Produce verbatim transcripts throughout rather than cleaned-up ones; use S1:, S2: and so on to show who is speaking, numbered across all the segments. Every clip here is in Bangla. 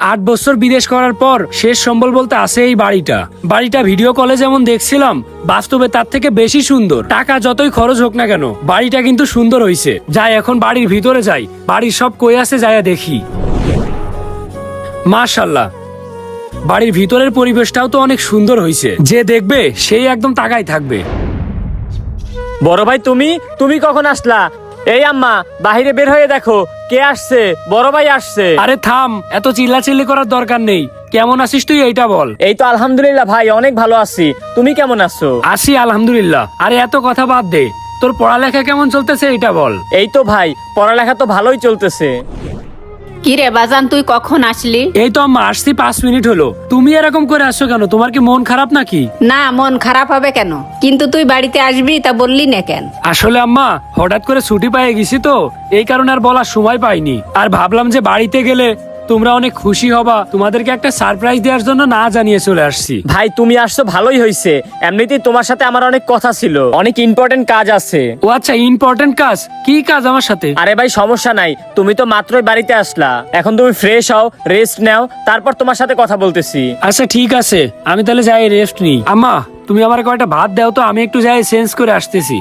S1: আট বছর বিদেশ করার পর শেষ সম্বল বলতে আছে এই বাড়িটা। বাড়িটা ভিডিও কলে যেমন দেখছিলাম, বাস্তবে তার থেকে বেশি সুন্দর। টাকা যতই খরচ হোক না কেন, বাড়িটা কিন্তু সুন্দর হইছে। যাই এখন বাড়ির ভিতরে যাই, বাড়ির সব কই আছে যাইয়া দেখি। মাশাআল্লাহ, বাড়ির ভিতরের পরিবেশটাও তো অনেক সুন্দর হইছে। যে দেখবে সেই একদম তাকাই থাকবে।
S2: বড় ভাই, তুমি তুমি কখন আসলা? এই আম্মা, বাহিরে বের হয়ে দেখো কে আসছে। বড় ভাই আসছে।
S1: আরে থাম, এত চিল্লাচিল্লি করার দরকার নেই। কেমন আছিস তুই এইটা বল।
S2: এই তো আলহামদুলিল্লাহ ভাই, অনেক ভালো আছি। তুমি কেমন আছো?
S1: আছি আলহামদুলিল্লাহ। আরে এত কথা বাদ দে, তোর পড়ালেখা কেমন চলতেছে এইটা বল।
S2: এই তো ভাই, পড়ালেখা তো ভালোই চলতেছে।
S3: কি রে বাজান, তুই কখন আসলি?
S1: এই তো আম্মা আসছি, পাঁচ মিনিট হলো। তুমি এরকম করে আসছো কেন? তোমার কি মন খারাপ নাকি?
S3: না, মন খারাপ হবে কেন? কিন্তু তুই বাড়িতে আসবি তা বললি না কেন?
S1: আসলে আম্মা হঠাৎ করে ছুটি পেয়ে গেছি তো, এই কারণে আর বলার সময় পাইনি। আর ভাবলাম যে বাড়িতে গেলে তোমরা অনেক খুশি হবা, তোমাদেরকে একটা সারপ্রাইজ দেওয়ার জন্য না জানিয়ে চলে আসছি।
S2: ভাই তুমি আসছো ভালোই হয়েছে। এমনিতেই তোমার সাথে আমার অনেক কথা ছিল, অনেক ইম্পর্টেন্ট কাজ আছে।
S1: ও আচ্ছা, ইম্পর্টেন্ট কাজ? কি কাজ আমার সাথে?
S2: আরে ভাই সমস্যা নাই, তুমি তো মাত্রই বাড়িতে আসলা, এখন তুমি ফ্রেশ হও, রেস্ট নাও, তারপর তোমার সাথে কথা বলতেছি।
S1: আচ্ছা ঠিক আছে, আমি তাহলে যাই রেস্ট নিই। আম্মা তুমি আমার কয়টা ভাত দাও তো, আমি একটু যাই চেঞ্জ করে আসতেছি।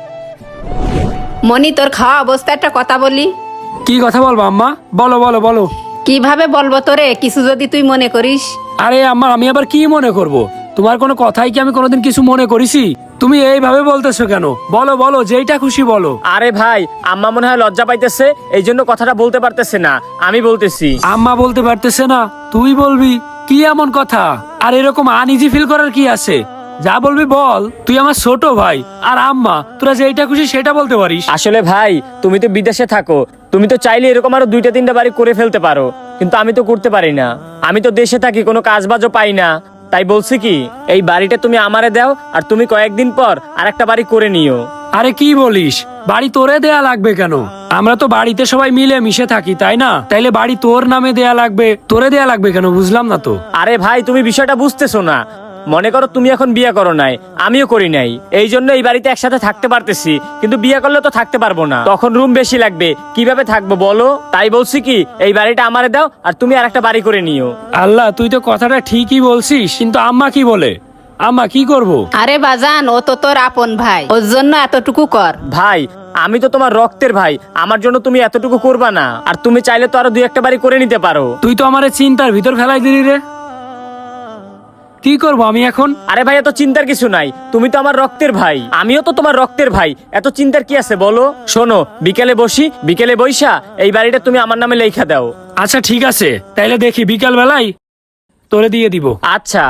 S3: মনি, তোর খাওয়া অবস্থা একটা কথা বলি।
S1: কি কথা বলবো আম্মা? বলো বলো বলো।
S3: কিভাবে বলবো তোরে, কিছু যদি তুই মনে করিস?
S1: আরে আম্মা, আমি আবার কি মনে করব? তোমার কোনো কথাই কি আমি কোনোদিন কিছু মনে করেছি? তুমি এইভাবে বলতেছো কেন? বলো বলো, যেইটা খুশি বলো।
S2: আরে ভাই, আম্মা মনে হয় লজ্জা পাইতেছে, এই জন্য কথাটা বলতে পারতেছে না, আমি বলতেছি।
S1: আম্মা বলতে পারতেছে না, তুই বলবি? কি এমন কথা? আর এরকম আনইজি ফিল করার কি আছে? যা বলবি বল। তুই আমার ছোট ভাই, আর আম্মা তোরা যেইটা খুশি সেটা বলতে পারিস।
S2: আসলে ভাই, তুমি তো বিদেশে থাকো, তুমি তো চাইলে এরকম আরো দুইটা তিনটা বাড়ি করে ফেলতে পারো, কিন্তু আমি তো করতে পারি না। আমি তো দেশে থাকি, কোনো কাজ বাজও পাই না, তাই বলছি কি এই বাড়িটা তুমি আমারে দাও, আর তুমি কয়েকদিন পর আর একটা বাড়ি করে নিও।
S1: আরে কি বলিস? বাড়ি তোরে দেয়া লাগবে কেন? আমরা তো বাড়িতে সবাই মিলে মিশে থাকি, তাই না? তাইলে বাড়ি তোর নামে দেয়া লাগবে, তোরে দেয়া লাগবে কেন? বুঝলাম না তো।
S2: আরে ভাই, তুমি বিষয়টা বুঝতেছো না। মনে করো তুমি এখন বিয়ে করো নাই, আমিও করি নাই, এই জন্য এই বাড়িতে একসাথে থাকতে পারতেছি, কিন্তু বিয়ে করলে তো থাকতে পারবো না, তখন রুম বেশি লাগবে, কিভাবে থাকবো বলো? তাই বলছি কি এই বাড়িটা আমারে দাও, আর তুমি আর একটা বাড়ি করে নিও।
S1: আল্লাহ, তুই তো কথাটা ঠিকই বলছিস, কিন্তু আম্মা কি বলে? আম্মা কি করব?
S3: আরে বাজান, ও তো তোর আপন ভাই, ওর জন্য এতটুকু কর।
S2: ভাই, আমি তো তোমার রক্তের ভাই, আমার জন্য তুমি এতটুকু করবা না? আর তুমি চাইলে তো আরো দুই একটা বাড়ি করে নিতে পারো।
S1: তুই তো আমারে চিন্তার ভিতর ফেলাই দিলি রে। কি করবো আমি এখন?
S2: আরে ভাই, এত চিন্তার কিছু নাই, তুমি তো আমার রক্তের ভাই, আমিও তো তোমার রক্তের ভাই, এত চিন্তার কি আছে বলো? শোনো, বিকেলে বসি, বিকেলে বইসা এই বাড়িটা তুমি আমার নামে লেখা দাও।
S1: আচ্ছা ঠিক আছে, তাইলে দেখি বিকাল বেলায় তোরে দিয়ে দিব।
S2: আচ্ছা।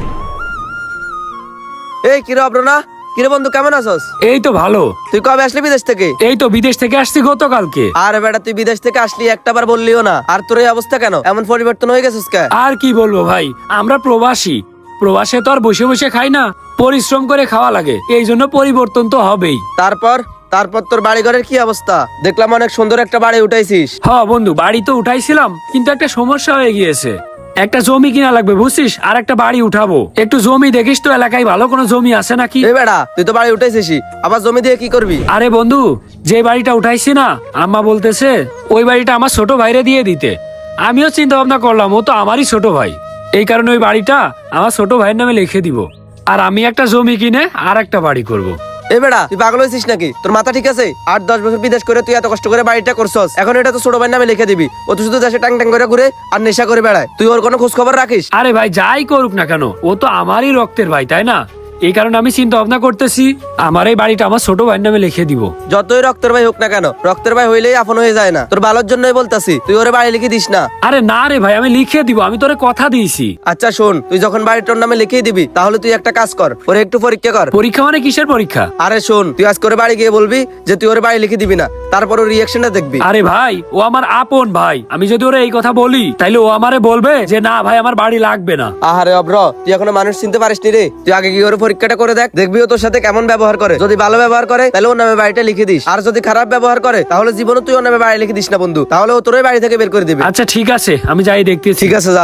S4: এই কিরে অব্রনা, কিরে বন্ধু, কেমন আছস?
S1: এই তো ভালো।
S4: তুই কবে আসলি বিদেশ থেকে?
S1: এই তো বিদেশ থেকে আসছি গতকালকে।
S4: আরে বেটা, তুই বিদেশ থেকে আসলি একটা বার বললিও না, আর তোর এই অবস্থা কেন? এমন পরিবর্তন হয়ে গেছিস কে?
S1: আর কি বলবো ভাই, আমরা প্রবাসী, প্রবাসে তো আর বসে বসে খাই না, পরিশ্রম করে খাওয়া লাগে, এই জন্য পরিবর্তন তো হবেই।
S4: তারপর তারপর তোর বাড়ি ঘরের কি অবস্থা? দেখলাম অনেক সুন্দর একটা বাড়ি উঠাইছিস।
S1: হ বন্ধু, বাড়ি তো উঠাইছিলাম, কিন্তু একটা সমস্যা হয়ে গিয়েছে। একটা জমি কিনা লাগবে বুঝছিস, আর একটা বাড়ি উঠাবো। একটু জমি দেখিস তো এলাকায় ভালো কোনো জমি আছে নাকি?
S4: এই বেটা, তুই তো বাড়ি উঠাইছিস, আবার জমি দিয়ে কি করবি?
S1: আরে বন্ধু, যে বাড়িটা উঠাইছি না, আম্মা বলতেছে ওই বাড়িটা আমার ছোট ভাইরে দিয়ে দিতে। আমিও চিন্তা ভাবনা করলাম, ও তো আমারই ছোট ভাই, এই কারণে ওই বাড়িটা আমার ছোট ভাইয়ের নামে লিখে দিব, আর আমি একটা জমি কিনে আর একটা বাড়ি করব।
S4: এই বেটা, তুই পাগল হয়েছিস নাকি? তোর মাথা ঠিক আছে? আট দশ বছর বিদেশ করে তুই এত কষ্ট করে বাড়িটা করছস, এখন এটা তো ছোট ভাইয়ের নামে লিখে দিবি? ও তো শুধু দেশে টাং টাং করে ঘুরে আর নেশা করে বেড়ায়, তুই ওর কোনো খোঁজ খবর রাখিস?
S1: আরে ভাই, যাই করুক না কেন, ও তো আমারই রক্তের ভাই, তাই না? এই কারণে আমি চিন্তা ভাবনা করতেছি আমার এই বাড়িটা আমার ছোট ভাইয়ের নামে লিখে দিব।
S4: যতই রক্তের ভাই হোক না কেন, রক্তের ভাই হইলেই আপন হয়ে যায় না। তোর ভালোর জন্যই বলতাছি, তুই ওরে বাড়ি লিখে দিস না।
S1: আরে না রে ভাই, আমি লিখে দিব, আমি তোরে কথা দিয়েছি।
S4: আচ্ছা শোন, তুই যখন বাড়ি তোর নামে লিখেই দিবি, তাহলে তুই একটা কাজ কর, ওরে একটু পরীক্ষা কর।
S1: পরীক্ষা মানে কিসের পরীক্ষা?
S4: আরে শোন, তুই আজ করে বাড়ি গিয়ে বলবি যে তুই ওরে বাড়ি লিখে দিবি না, তারপর ওর রিয়াকশনটা দেখবি।
S1: আরে ভাই, ও আমার আপন ভাই, আমি যদি ওরে এই কথা বলি তাইলে ও আমারে বলবে যে না ভাই, আমার বাড়ি লাগবে না।
S4: আহারে অব্র, তুই এখনো মানুষ চিনতে পারিস নি রে। তুই আগে গিয়ে ওর পরীক্ষাটা করে দেখ, দেখবি ও তোর সাথে কেমন ব্যবহার করে। যদি ভালো ব্যবহার করে তাহলে ওর নামে বাড়িটা লিখে দিস, আর যদি খারাপ ব্যবহার করে তাহলে জীবনে তুই ওর নামে বাড়ি লিখে দিস না বন্ধু, তাহলে ও তোর ওই বাড়ি থেকে বের করে দিবে।
S1: আচ্ছা ঠিক আছে, আমি যাই দেখতেছি।
S4: ঠিক আছে, যা।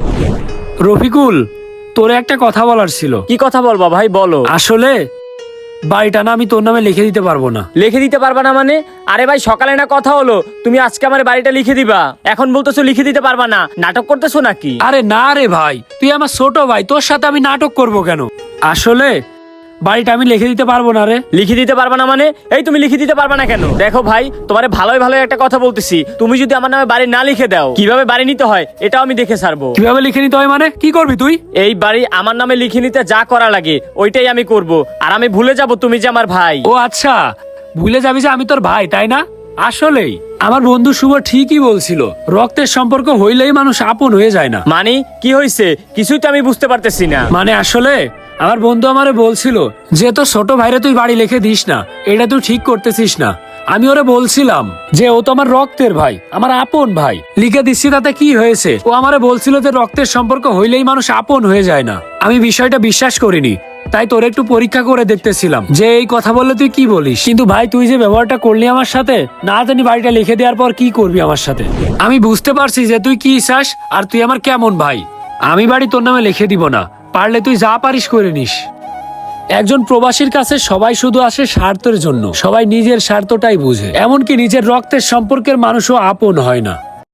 S1: রফিকুল, তোরে একটা কথা বলার ছিল।
S2: কি কথা বলবা ভাই, বলো।
S1: আসলে বাড়িটা না আমি তোর নামে লিখে দিতে পারবো না।
S2: লিখে দিতে পারবা না মানে? আরে ভাই সকালে না কথা হলো তুমি আজকে আমার বাড়িটা লিখে দিবা, এখন বলতেছো লিখে দিতে পারবা না? নাটক করতেছো নাকি?
S1: আরে না রে ভাই, তুই আমার ছোট ভাই, তোর সাথে আমি নাটক করব কেন? আসলে বাড়িটা আমি লিখে দিতে পারবো না রে।
S2: লিখে দিতে পারবা না মানে? এই তুমি লিখে দিতে পারবা না কেন? দেখো ভাই, তোমারে ভালোই ভালো একটা কথা বলতেছি, তুমি যদি আমার নামে বাড়ি না লিখে দাও, কিভাবে বাড়ি নিতে হয় এটাও আমি দেখে ছাড়বো।
S1: কিভাবে লিখে নিতে হয় মানে? কি করবি তুই?
S2: এই বাড়ি আমার নামে লিখে নিতে যা করা লাগে ওইটাই আমি করব, আর আমি ভুলে যাব তুমি যে আমার ভাই।
S1: ও আচ্ছা, ভুলে যাবি যে আমি তোর ভাই, তাই না? আসলেই আমার বন্ধু শুভ ঠিকই বলছিল, রক্তের সম্পর্ক হইলেই মানুষ আপন হয়ে যায় না।
S2: মানে কি হয়েছে কিছুই তো আমি বুঝতে পারতেছি না।
S1: মানে আসলে আমার বন্ধু আমারে বলছিল যে তোর ছোট ভাইরে তুই বাড়ি লিখে দিস না, এটা তুই ঠিক করতেছিস না। আমি ওরে বলছিলাম যে ও তো আমার রক্তের ভাই, আমার আপন ভাই, লিখে দিচ্ছি তাতে কি হয়েছে? ও আমারে বলছিল যে রক্তের সম্পর্ক হইলেই মানুষ আপন হয়ে যায় না। আমি বিষয়টা বিশ্বাস করিনি, তাই তোর একটু পরীক্ষা করে দেখতেছিলাম যে এই কথা বললে তুই কি বলিস। কিন্তু ভাই তুই যে ব্যবহারটা করলি আমার সাথে, না জানি বাড়িটা লিখে দেওয়ার পর কি করবি আমার সাথে। আমি বুঝতে পারছি যে তুই কি চাস আর তুই আমার কেমন ভাই। আমি বাড়ি তোর নামে লিখে দিব না, পারলে তুই যা পারিস করে নিস। একজন প্রবাসীর কাছে সবাই শুধু আসে স্বার্থের জন্য, সবাই নিজের স্বার্থটাই বুঝে, এমনকি নিজের রক্তের সম্পর্কের মানুষও আপন হয় না।